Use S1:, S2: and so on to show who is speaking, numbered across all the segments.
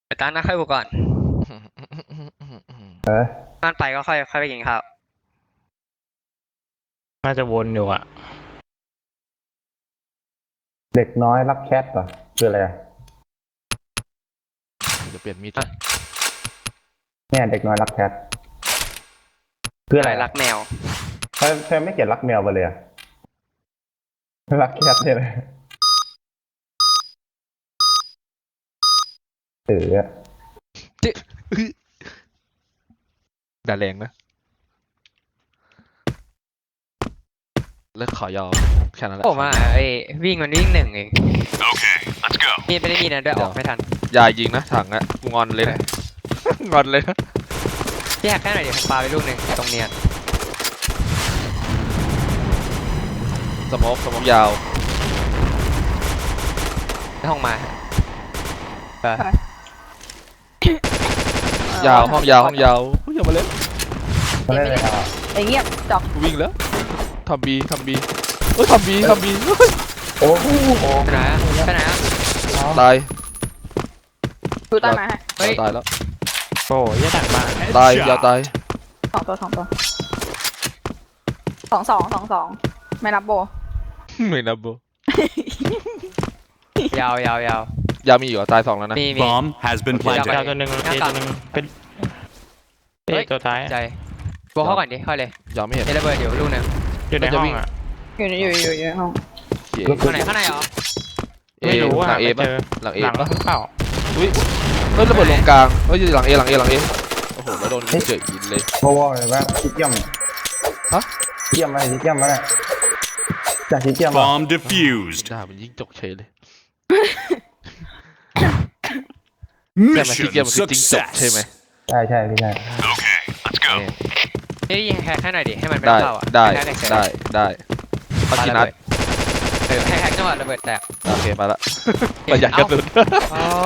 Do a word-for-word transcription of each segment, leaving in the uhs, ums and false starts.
S1: ไปตั้งหน้าค่อยบุกก่อน
S2: เออ
S1: บ้านไปก็ค่อยค่อยไปกินข้าว
S3: น่าจะวนอยู่อ่ะ
S2: เด็กน้อยรักแคทเหรอคืออะไรอะ
S4: จะเปลี่ยนมีด
S2: เนี่ยเด็กน้อยรักแคทคืออะไร
S1: รักแมว
S2: เธอเธอไม่เขียนรักแมวไปเลยอะรักแคทเนี่ยเลยเออ
S4: ด่าแรงนะเลิกขอยอมแค่นั้นแหละ
S1: ผมอ่ะไอ้วิ่งมันวิ่งหนึ่งเอง
S5: โอเค let's go
S1: มีดไม่ได้มีนะด้วยออกไม่ทัน
S4: ยายยิงนะถังอะกูงอนเลยนะงอนเลยนะ
S1: พี่แฮกแค่หน่อยเดี๋ยวผมปาไปลูกหนึ่งตรงเนียน
S4: สโมกสโมกยาว
S1: ในห้องมาไป
S4: ยาวห้องยาวห้องยาวเฮ้ยอย่ามาเล่น
S2: มาเล่นเลยครับ
S6: ไอ้เงียบจอก
S4: กูวิ่งแล้วทำบีทำบีเฮ้ยทำบีทำบี
S2: โอ้โห
S1: ไปไหนอะไปไหนอะ
S4: ตาย
S6: ดูใต้ไม้ให้
S1: เฮ้ย
S4: ตายแล้ว
S3: โอ้ยดักมาก
S4: ตายยาวตาย
S6: สองตัวสองตัวสองสองสองสองไม่นับโบ
S4: ไม่นับโบ
S1: ยาวยาวยาวย
S4: าวมีอยู่อ่ะตายสองแล้วนะ
S1: มีมี
S5: bomb has been
S1: ยาวไป
S3: ดาว
S5: planted
S3: ตัวหนึ่ง
S1: หน้า
S3: เอ
S1: ต่าง
S3: ตัวหนึ่งเป็นเอ
S1: เฮ้ย
S3: ตัวท้าย
S1: ใจบวกเข้าก่อนดิเข้าเลย
S4: ยาวไม่เห็น
S1: เอระเบิดเดี๋ยวลูกหนึ่ง
S3: อยู่ในห้องอ่ะ
S6: อยู่ในอยู่อยู่อยู่ในห้อง
S4: เอ
S1: ข้างไหนข้างในเหรอ
S3: ไม่รู้
S4: ห
S3: อ่ะ
S4: ลังเอ
S3: ไม่
S4: ปะ
S3: เจอ
S4: หลังเอ
S3: หลัง
S4: ปะ
S3: หรือเปล่า
S4: อุ้ยเฮ้ยระเบิดลงกลางเฮ้ยหลังเอหลังเอหลังเอโอ้โหแล้วโดนยิงเฉยยิงเลย
S2: โบว์เลยว่าชิคเกี้ยม
S4: ฮะ
S2: ชิคเกี้ยมอะไรชิคเกี้ยมอะไรจากชิคเกี้ยมอะ
S5: bomb defused
S4: ด่ามันยิงจกเฉยเลยแต่มันที่
S5: mission
S4: เกมมันคือจริงจกใช่ไหม
S5: success
S2: ใช่ใช่พี่ใช่
S5: okay let's go
S1: เฮ้ยยิงแฮกแค่หน่อยดิให้มันไม่
S4: ได้
S1: เข้าอ่ะ
S4: ได้
S1: แฮกเฉย
S4: ได้ได้พักกินนัด
S1: เออแฮกแฮกจังหวะระเบิดแตก
S4: โอเคมาละประหยัดกระสุน
S1: อ๋อก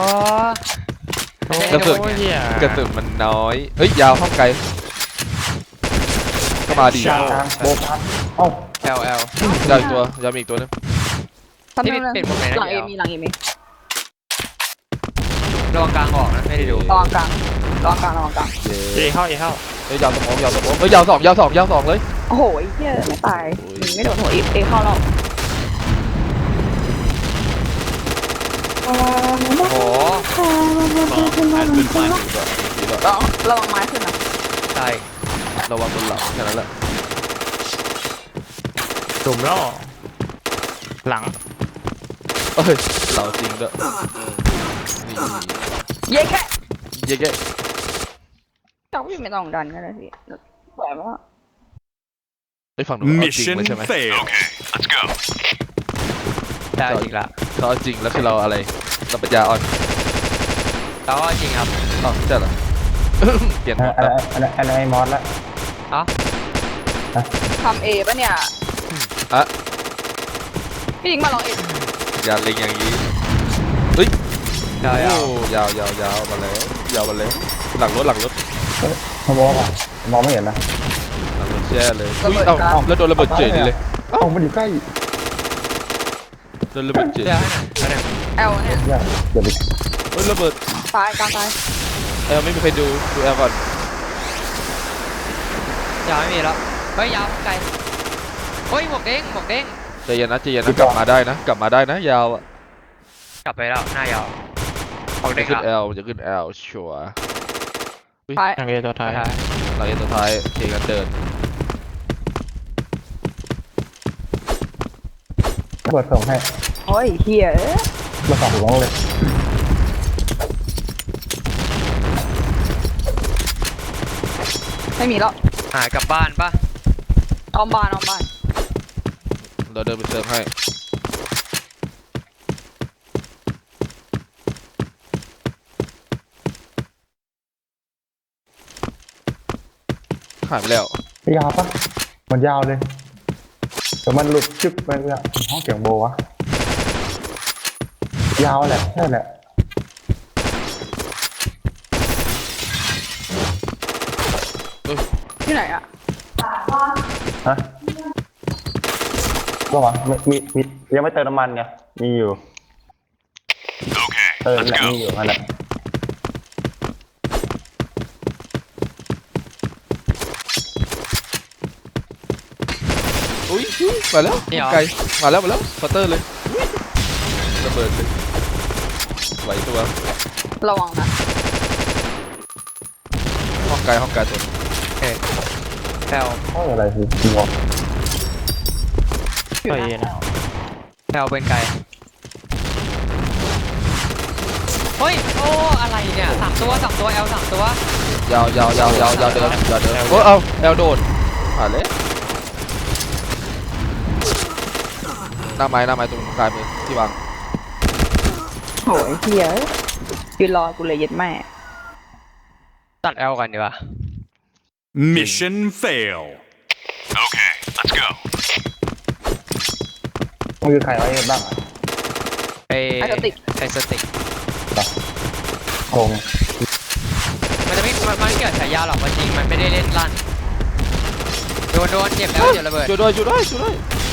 S4: ระสุน
S3: โอ้ยเหี้ย
S4: กระสุนมันน้อยเฮ้ยยาวห้องไกลก็มาดี
S2: กลางโบว์พัดเอ้า
S1: แอลแอล
S4: ยาวอีกตัวยาวมีอีกตัวนึง
S6: ทำ
S1: ที่
S6: ไม
S1: เป็นหมดเลยนะ
S6: หลังเอ
S1: เดี๋ยว
S6: มีหลังเอมี
S1: ระวังกลางออกนะไม่ได้ดู
S6: ระวังกลางระวังกลางระวังกลาง
S4: เย้
S3: เอเข้าเอเข้า
S4: เฮ้ยยาวสมองยาวสมองเฮ้ยยาวสองยาวสองยาวสองเลย
S6: โอ้โหไอ้เหี้ยไม่ตายหนีไม่โดนหัวเอเอเข้าเรา
S1: โอ้โห
S5: bomb has been planted
S6: ระวังระวังไม้ขึ้นนะ
S1: ใช่
S4: ระวังบนหลังแค่นั้นแหละ
S3: จุ่มล่อหลัง
S4: เอ้ยเราจริงด้วยนี่
S6: เย้แค่
S4: เย้แก
S6: จอกพี่ไม่ต้องดันก็ได้พี่ปล่อยมาว่า
S4: ไอ้ฝั่งนู้นเอาจริง
S5: mission
S4: เลยใช่ไหม
S5: failed okay let's go
S1: ได้จริงละ
S4: เราเอาจริงแล้วคือเราอะไรเราปัญญาอ่อน
S1: แล้วก็จริงครับ
S4: อ๋อใช่เหรอ เปลี่ยนหมด
S2: อะไร
S4: แล้ว
S2: อะไรอะไรมอสละ
S1: เอ้า
S6: ทำเอปะเนี่ย
S4: อะ
S6: พี่หญิงมาลองเอ
S4: อย่าเล็งอย่างนี้
S1: ยาวยาว
S4: โอ้ยาวยาวยาวมาแล้วยาวมาแล้วหลังรถหลังรถ
S2: เขาบอกว่ามองไม่เห็นนะ
S4: หลังรถแช่เลยอุ้ยเอ้าแล้วโดนระเบิดเฉยเลย
S2: เอ้ามันอยู่ใกล้
S4: โดนระเบิดเฉย
S1: เดี๋ยวให้หน่อยให้หน่อย
S6: แอลเนี่ย
S2: เนี่ยเดี๋ยวดิ
S4: เฮ้ยระเบิด
S6: ตายกลางตาย
S4: เอลไม่มีใครดูดูแอลก่อน
S1: ยาวไม่มีแล้วเฮ้ยยาวไกลเฮ้ยหมวกเด้งหมวกเด้ง
S4: ใจเย็นนะใจเย็นนะกลับมาได้นะ กลับมาได้นะยาวอ่ะ
S1: กลับไปแล้วหน้ายาวหมวก
S4: จะ
S1: เด้ง
S4: ขึ้น
S1: ละ
S4: แอลจะขึ้นแอลชัวร์
S6: ตาย
S3: หลังเอตัวท้าย
S4: หลังเอ็นตัวท้ายเคกันเดิน
S2: เปิดส่งให้
S6: โอ้ยเฮีย
S2: มาสองถุงเลย
S6: ไม่มีแล้ว
S1: หายกลับบ้านปะ
S6: ออมบ้านออมบ้าน
S4: เราเดินไปเติมให้หายไปแล้ว
S2: ยาวปะมันยาวเลยแต่มันหลุดชึบไปเลยอะห้องเสียงโบวะยาวแหละใช่แหละ
S6: ที่ไหนอะ
S2: ฮะก็วะมีมีมียังไม่เติมน้ำมันไงมีอยู่
S5: okay
S2: เติม
S5: let's
S2: แหละ
S5: go
S2: มีอยู่นั่นแหละ
S4: อุ้ยมาแล้ว
S1: นี่เหรอ
S4: ไกลมาแล้วมาแล้วฟัตเตอร์เลยระเบิดเลยไหวตัว
S6: ระวังนะ
S4: ห้องไกลห้องไกลตัว
S1: แอล
S2: โอ้ยอะไรคือหัว
S3: เฮ้ยนะ
S1: แอลเป็นไกลเฮ้ยโอ้อะไรเนี่ยสามตัวสามตัวแอลสามตัวย
S4: าวยาวยาวยาวยาวเดินยาวเดินโอ้เอาแอลโดดผ่านเลยหน้าไม้หน้าไม้ตรงกลางมือที่วาง
S6: โหยเฮียยืนรอกูเลยเย็ดแม่
S1: ตัดแอลกันดีกว่า
S5: Mission fail. Okay, let's go.
S2: มันคือใครไว้บ้าง
S1: ไอ
S6: ไอสติก
S1: ไอสติก
S2: โคง
S1: มันจะไม่มันมันไม่เกี่ยวกับฉายาหรอกว่าจริงมันไม่ได้เล่นลั่นโดนโดนเจ็บแล้วเจ็บระเบิด
S4: ช่วยด้วยช่วยด้วยช่วยด้วย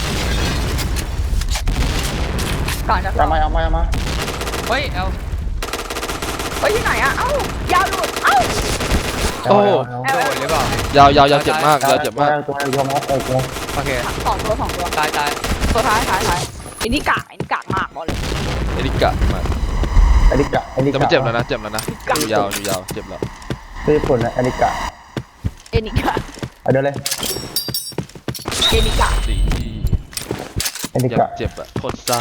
S6: ก่อนจะ
S2: เอามาเอามาเอามา
S1: เฮ้ยแอล
S6: เฮ้ยที่ไหนอะเอ้ายาวหลุดเอ้า
S4: โอ้โห
S6: แอล
S1: โดนหรือเปล่าย
S4: าวยาวยาวเจ็บมากยาวเจ็บมาก
S2: ตัวตัวมอสตัวตัว
S1: โอเค
S6: สองตัวสองตัว
S1: ตายตาย
S6: ตัวท้ายท้ายท้ายอันนี้กากอันนี้กากมากบอกเลย
S4: เอริกะมา
S2: อลิกะอลิ
S4: แต่
S2: กะ
S4: มันเจ็บแล้วนะเจ็บแล้วนะอยู่ยาวอยู่ยาวเจ็บแล้ว
S2: ญี่ปุ่นนะอลิกะ
S6: เอนิกา
S2: เอาเดี๋ยวเลย
S6: เอนิกา
S4: สี
S2: อลิ
S4: เจ็บ
S2: กะ
S4: เจ็บอะโคตรซ่า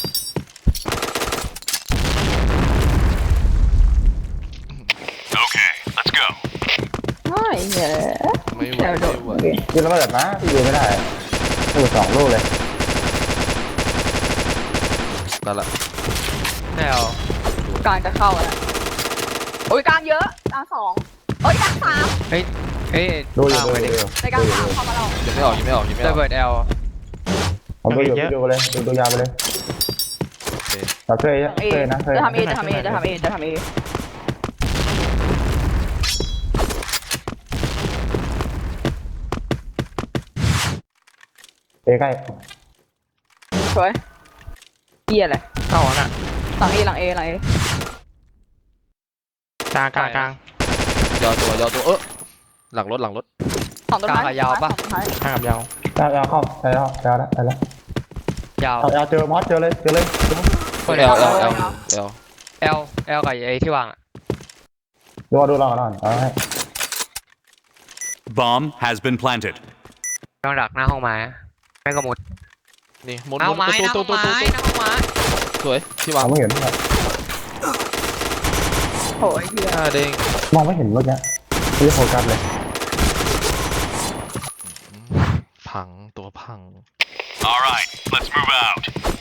S5: Okay, let's go.
S6: เฮ้ยเหี้ย
S4: ไม่ไหว
S6: แอลโด
S4: ไม่
S6: ด
S4: ไหว
S6: โอเค
S2: ยืนแล้วแบบนะพี่ยืนไม่ได้ลูกสองลูกเลย
S4: นั่นแหละ
S1: แอล
S6: กลางจะเข้าแล้วโอ้ยกลางเยอะกลางสองโอ้ยกลางสาม
S1: เฮ้ยเฮ้ย
S2: ดูอยู่
S1: ตาม
S2: ดู
S1: ไป
S2: อ
S1: ดิ
S2: ยู่
S6: ในกลางสามเข้ามาเรา
S4: ยังไม่ออกยังไม่ออกยังไม่อ
S1: ระ
S4: อก
S1: เบิดแอล
S2: ผมดูอยู่พี่ดูเลยดูตัวยาวไปเลยเราเคย
S6: เอ
S2: เคยนะเคย
S6: จะทำเอจะทำเอจะทำเอจะทำเอ
S2: เอใกล้
S6: สวยเฮียเลย
S3: เข้าน่ะ
S6: หลังเอหลังเอหลังเอก
S3: ลางกลางกลาง
S4: ยาวตัวยาวตัวเออหลังรถหลังรถ
S6: สองต้นไม้สองต้นไม้
S3: กลางกับยาว
S2: เอาเอาเข้าไปแล้วไปแล้วไปแล้ว
S1: ยาว
S2: เอาเอาเจอมอสเจอเลยเจอเลย
S1: เปิด
S4: เอ
S1: แอ
S4: ล
S1: ล
S4: เอลเอลเอล
S1: แอลแอลกับไอที่วางอะ
S2: ดูดูลองกันหน่อยเอาให้
S5: Bomb has been planted.
S1: ต้องดักหน้าห้องไม้แม่งก็มุด
S4: นี่หมุน
S1: หน้าห้องไม้ห
S4: ตัว
S1: น้าห้
S4: ตั
S1: อ
S4: ว
S1: ง
S4: ตัว
S1: ไม้
S4: ตัว
S1: หน้าห้องไม้
S4: สวยที่วาง
S2: มองไม่เห็น
S6: โอ้ยเฮีย
S4: หน้าเด้ง
S2: มองไม่เห็นเมื่อกี้ไม่ได้โฟกัสเลย
S4: พังตัวพัง
S5: All right, let's move out.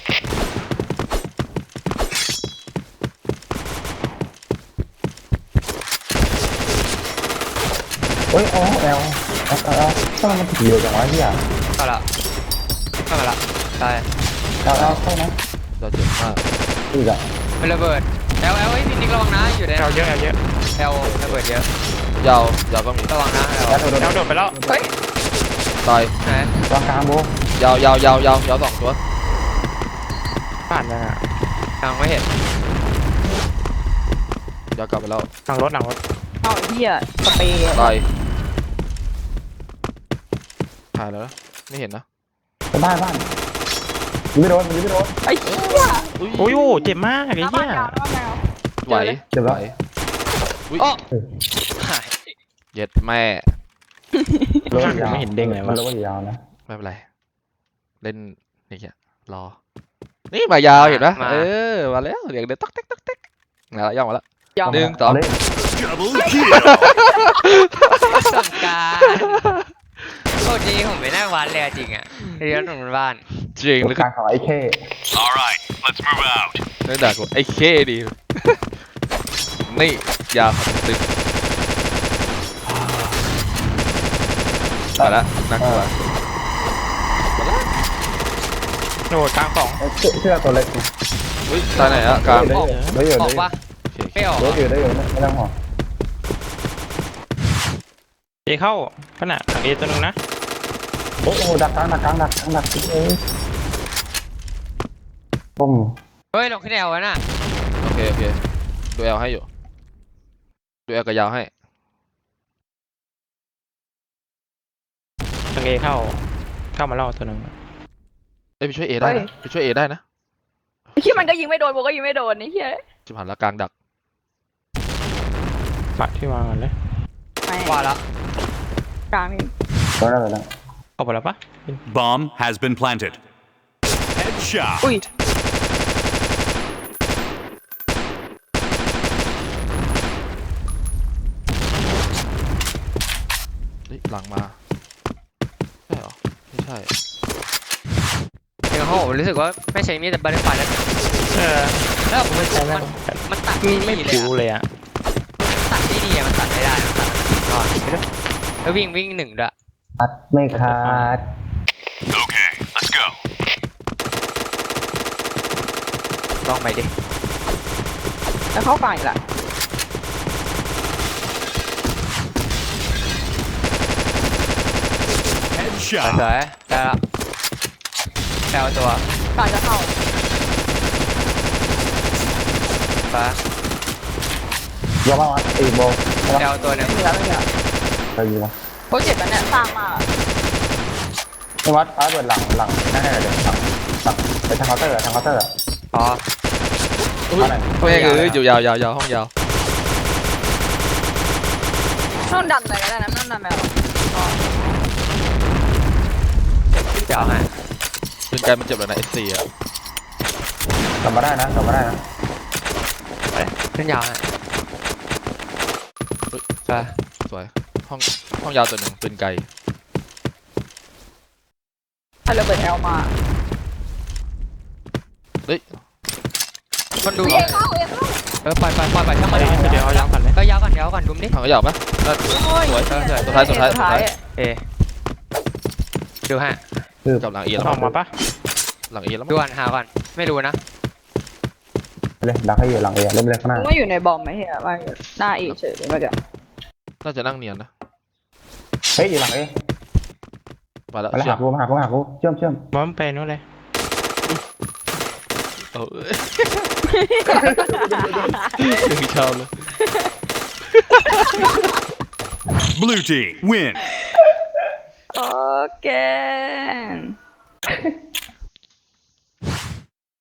S2: เฮ้ยอ๋อแอลแอลแอลทำไมมันถึงเร็วจังวะพี่อ่ะ
S1: เข้าละเข้ามาละตาย
S2: แอลแอลเข้านะ
S4: เราเจ็บมาก
S2: อีกอ่ะ
S1: เป็นระเบิดแอลแอลไอ้พี่นิกระวังนะอยู่ใน
S3: แอลเยอะแอลเยอะ
S1: แอลระเบิดเยอะ
S4: ยาวยาวก็มี
S1: ระวังนะแอล
S2: แอลโดน
S3: แอลโดดไปแล้ว
S6: เฮ้ย
S4: ตาย
S1: ไหน
S2: วางกลางโบ
S4: ยาวยาวยาวยาวยาวสองตัว
S3: ผ่านยังอ่ะ
S1: ยังไม่เห็น
S4: ยาวกลับไปแล้ว
S3: หลังรถหลังรถ
S6: เอาไอ้เฮียสเปรย์
S4: ตายถ่ายแล้วนะไม่เห็นนะ
S2: บ้านบ้านยิงไม่โดนยิงไม่โดน
S6: ไอ้เฮีย
S4: อุ้ย
S3: โอ้ยโอ้เจ็บมากไอ้
S6: หน้า
S3: เหี้
S6: บ้าน
S3: ย
S6: ยาวหน้าบ้านยาว
S4: ไหว
S2: เจ็บ
S4: ไหว
S2: แล้ว
S4: อุ้ย
S1: โอ้หาย
S4: เย็ดแม่
S2: รถยาว
S3: ไม่เห็นเด้งเลยวะ
S2: รถยาวนะ
S4: ไม่เป็นไรเล่นนี่แค่รอนี่มายาวเห็นปะเออมาแล้วเดี๋ยวเดี๋ยวต๊อกเต๊กต๊อกเต๊กมาแล้วย่องมาแล้ว
S6: ยาว
S4: หนึ่งสอง
S2: เลย
S5: Double kill.
S1: สงการโคตรดีผมไม่น่าวัดเลยอะจริงอ่ะเรียนตรงบ้าน
S4: จริงหรือ
S2: กลางของไอ้เค
S5: All right, let's move out.
S4: เรื่องด่ากูไอ้เคดี นี่ยาวครับตึงมาแล้วนักกลัวมาแล้ว
S3: โดดกลางสอง
S2: เสื้อเสื้อตัวเล็ก
S4: อุ้ยตายไหนอะกลาง
S2: ได้อยู่ได้อยู่
S1: อ
S2: ได้
S1: อก
S2: อยู่
S1: ปะ
S4: โอเค
S1: ไม่ออก
S2: ได้อยู่ได้อยู่ไม่ต้องห่วง
S3: เอเข้าขนาดหลังเอตัวหนึงนะ
S2: โอ้โหดักกลางดักกลางดักกลางดักเอ้ยปุ้ม
S1: เฮ้ยลงขึ้นแอลวะน่ะ
S4: โอเคโอเคดูแอลให้อยู่ดูแอลกับยาวให้
S3: หลังเอเข้าเข้ามาล่อตัวหนึ่ง
S4: เอ้ยไปช่วยเอได้นะไปช่วยเอได้นะ
S6: ไอ้เหี้ยมันก็ยิงไม่โดนโบก็ยิงไม่โดนนี่เหี้ย
S4: จิบหันละกลางดัก
S3: ปัดที่วางกันเลย
S6: ไม่
S1: ว่าแล้ว
S6: กลางนี่
S2: ตัวนั้นเลยนะ
S3: เข้าไปแล้วปะ
S5: Bomb has been planted. Headshot.
S6: อุ้ย
S4: เฮ้ยหลังมาใช่เหรอไม่ใช่
S1: เดี๋ยวโหรู้สึกว่าไม่ใช่มีแต่บัตเตอร์ไฟแล้ว
S3: เออ
S1: แล้วผมมันมันมันตัดไม่
S3: ไม่
S1: ดีเลย
S3: ผิว
S1: อะ
S3: เลยอ่ะ
S1: ตัดไม่ดีอะมันตัดไม่ได้มันตัดก่อนแล้ววิ่งวิ่งหนึ่งด้วย
S2: อัดไม่ขาด
S5: Okay, let's go.
S1: ลองไปดิ
S6: แล้วเข้ากลางอีกละ
S1: สวย
S5: Headshot.
S1: ๆได้แล้วแปลตัว
S6: กลางจะเข้า
S1: ฟ้าย
S2: กบ้างวะอีโบ
S1: แปลตัวหนึง
S6: ไม่มีแล้วไม่มีแล้ว
S2: ไปยิงวะ
S6: โปรเจกต์มันเนี่ยสร้างมา
S2: ไม่วัดฟ้าเปิดหลังหลังนั่นแหละเดี๋ยวหลังหลังไปทางเคาน์เตอร์อะทางเคาน์เตอร์อะ
S1: อ๋อ
S4: อุ้ย
S2: เอาหน่อย
S4: แม่งเอ้ยอยู่ยาวยาวยาวห้องยาว
S6: ต้องดันไปก็ได้นะนั่นดันไปหรออ๋อ
S1: เดี๋ยวให้
S4: เป็นการมันเจ็บเลยนะเอสซีอะ
S2: กลับมาได้นะกลับมาได้นะ
S1: ขึ้นยาวให้ไป
S4: สวยห้องห้องยาวตัวหนึ่งปืนไกล
S6: ถ้าเราเปิดแอลมา
S4: เฮ้ย
S1: มันดู
S6: เอเข้าเอเข้า
S1: เออปล่อยปล่อยปล่อยปล่อยช่างมัน
S3: เดี๋ยวเอายางก่อนเลย
S1: ก็ยาวก่อนยาวก่อนดุมดิ
S4: ห้องยาวปะน่า
S6: โอ้ย
S1: สวยสวยสวย
S4: สุดท้ายสุดท้ายสุดท้าย
S1: เอดูฮะ
S4: กับหลังเอแล้ว
S3: อ
S4: มั้
S3: อง กมาปะ
S4: หลังเอแล้ว
S1: ดู
S4: มั้ง
S1: ก่อนหาก่อนไม่รู้นะ
S2: เลยดักให้อยู่หลังเอเล่นเล่นข้างหน้า
S6: ไม่อยู่ในบอมไหมเฮียว่าหน้าอีเฉยเลยเมื่อกี้
S4: น่าจะนั่งเนียนนะ
S2: เฮ้ยอยู่หลังเอ
S4: มาแล้ว
S2: มาแล้ว
S4: เชื่อ
S2: หาม กูมาหากูมาหากูเชื่อมเชื่อม
S3: บอมไปนู่นเลย
S4: เออยังมีชาวเลย
S5: Blue team win.
S6: โอเค